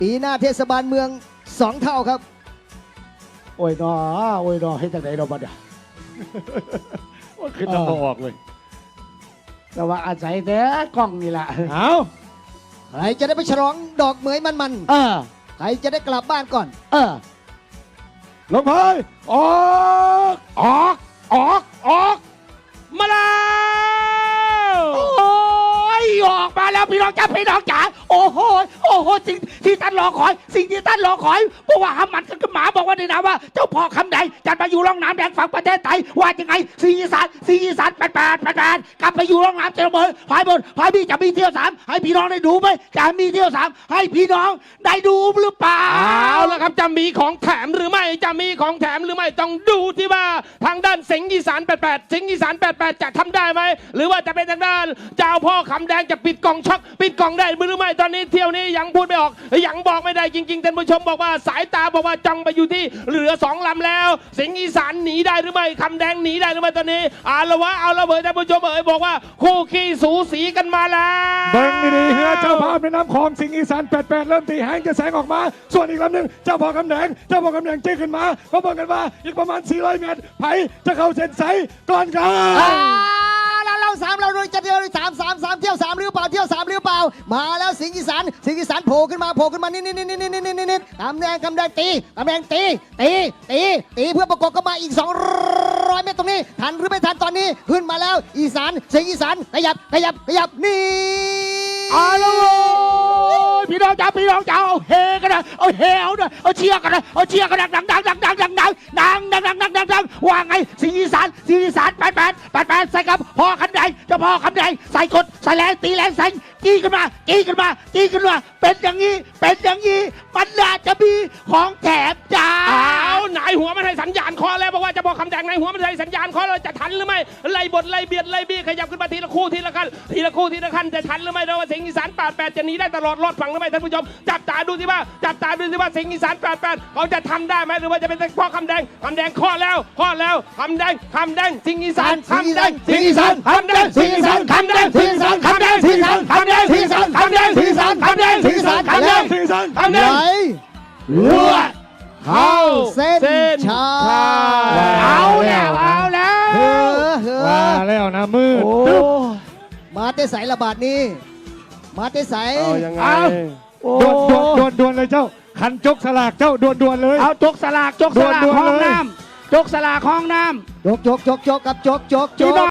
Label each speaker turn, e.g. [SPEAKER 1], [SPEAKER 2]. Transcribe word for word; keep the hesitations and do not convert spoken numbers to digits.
[SPEAKER 1] ปีหน้าเทศบาลเมืองสองเท่าครับ
[SPEAKER 2] โอ้ยนอโอ้ยนอให้จากไหนเราบ้างเนี่ยว่าขึ้นน้ำออกเลยแต่ว่าอาศัยแต่กล้องนี่แหละเอา
[SPEAKER 1] ใครจะได้ไปฉลองดอกเหมยมันๆ
[SPEAKER 2] เออ
[SPEAKER 1] ใครจะได้กลับบ้านก่อน
[SPEAKER 2] เออลงไปออกออกออกออกมาแล้วโอ้ยออกมาแล้วพี่น้องจ้าพี่น้องจ๋าโอ้โหโอ้โหสิ่งที่ท่านรอคอยสิ่งที่ท่านรอคอยเพราะว่าหำมันกับหมาบอกว่าในนามว่าเจ้าพ่อคำใดจัดมาอยู่ร่องน้ำแดงฝั่งประเทศไทยว่ายังไงสีอีสานสีอีสานแปดแปดแปดแปดกลับไปอยู่ร่องน้ำเจริญเมืองพายบนพายพี่จะมีเที่ยวสามให้พี่น้องได้ดูไหมจะมีเที่ยวสามให้พี่น้องได้ดูหรือเปล่า
[SPEAKER 3] เอาละครับจะมีของแถมหรือไม่จะมีของแถมหรือไม่ต้องดูที่ว่าทางด้านสิงห์อีสานแปดแปดสิงห์อีสานแปดแปดจะทำได้ไหมหรือว่าจะเป็นทางด้านเจ้าพ่อคำแดงจะปิดกล่องช็อกปิดกล่องได้หรือไม่ตอนนี้เที่ยวนี้ยังพูดไม่ออกยังบอกไม่ได้จริงๆท่านผู้ชมบอกว่าสายตาบอกว่าจ้องไปอยู่ที่เหลือสองลำแล้วสิงห์อีสานหนีได้หรือไม่คำแดงหนีได้หรือไม่ตอนนี้เอาละวะเอาละเบยท่านผู้ชมเอ๋ยบอกว่าคู่ขี้สูสีกันมาแล้ว
[SPEAKER 4] เบิ้งดีๆเฮือเจ้าพ่อแม่น้ำคลองสิงห์อีสานแปดแปดเริ่มตีแหงจะแสงออกมาส่วนอีกลำหนึ่งเจ้าพ่อคำแดงเจ้าพ่อคำแดงจี้ขึ้นมาเขาบอกกันว่าอีกประมาณสี่ร้อยเมตรไผ่จะเข้าเส้นชัยก่อนกัน
[SPEAKER 1] เราเราสามเราจะเที่ยวสามสามสามเที่ยวสามหรือเปล่าเที่ยวสามหรือเปล่ามาแล้วสิงห์อีสานสิงห์อีสานโผล่ขึ้นมาโผล่ขึ้นมานิดนิดนิดนิดนิดนิดนิดนิดคำแดงคำแดงตีคำแดงตีตีตีตีเพื่อประกบกันมาอีกสองร้อยเมตรตรงนี้ทันหรือไม่ทันตอนนี้ขึ้นมาแล้วอีสานสิงห์อีสานขยับขยับขยับนี่
[SPEAKER 2] เอาละพี่น้องจ๋าพี่น้องจ๋าเอาเฮกันนะเอาเฮเอาหน่อยเอาเชียร์กันนะเอาเชียร์กันดังดังดังดังดังดังดังดังดังดังดังดังดังว่าไงสิงห์อีสานสิงห์อีสานแปดแปดแปดแปดใส่กับพ่อคำแดงเจ้าพ่อคำแดงใส่กดใส่แรงตีแรงใส่จี้กันมาจี้กันมาจี้กันมาเป็นอย่างนี้เป็นอย่างนี้มันน่าจะมีของแถมจ้า
[SPEAKER 3] เอาไหนหัวมันให้สัญญาณคอแล้วบอกว่าจะบอกคำแดงไหนหัวมันให้สัญญาณคอแล้วจะทันหรือไม่ไล่บทไล่เบียดไล่บี้ขยับขึ้นมาทีละคู่ทีละขั้นทีละคู่ทีละขั้นจะทันหรือไม่เราว่าสิงห์อีสานแปดแปดจะหนีได้ตลอดรอดฝั่งหรือไม่ท่านผู้ชมจับตาดูสิว่าจับตาดูสิว่าสิงห์อีสานแปดแปดเขาจะทำได้ไหมหรือว่าจะเป็นพ่อคำแดงคำแดงข้อแล้วข้อแล้วคำแดงคำแดงสิงห์อีสานคำแดงสิงห์อีสานคำแดงสิงห์อีสานคำแดงสิงห์อีสานคำแดงสิงห์อีสานคำแดงสิงห์อีสานคำแดงสิงห์อีสานคำแดงสิงห์อีสานคำแดงสิงห์อีสานคำแดง
[SPEAKER 1] รัว
[SPEAKER 3] เข้า
[SPEAKER 1] เส้นชัย
[SPEAKER 2] เอาแล้วเอาแล้ว
[SPEAKER 1] เฮ้อเฮ้อ
[SPEAKER 4] มาแล้วนะมือ
[SPEAKER 1] มาเตะใสระบาดนี้มาเตะใส
[SPEAKER 3] เอายังไง
[SPEAKER 4] ดวนดวนดวนดวนเลยเจ้าขันจกสลากเจ้าดวนดวนเลย
[SPEAKER 2] เอาจกสลากจกสลากห้องน้ำจกสลากห้องน้
[SPEAKER 1] ำจกจกจกจกกับจกจกจก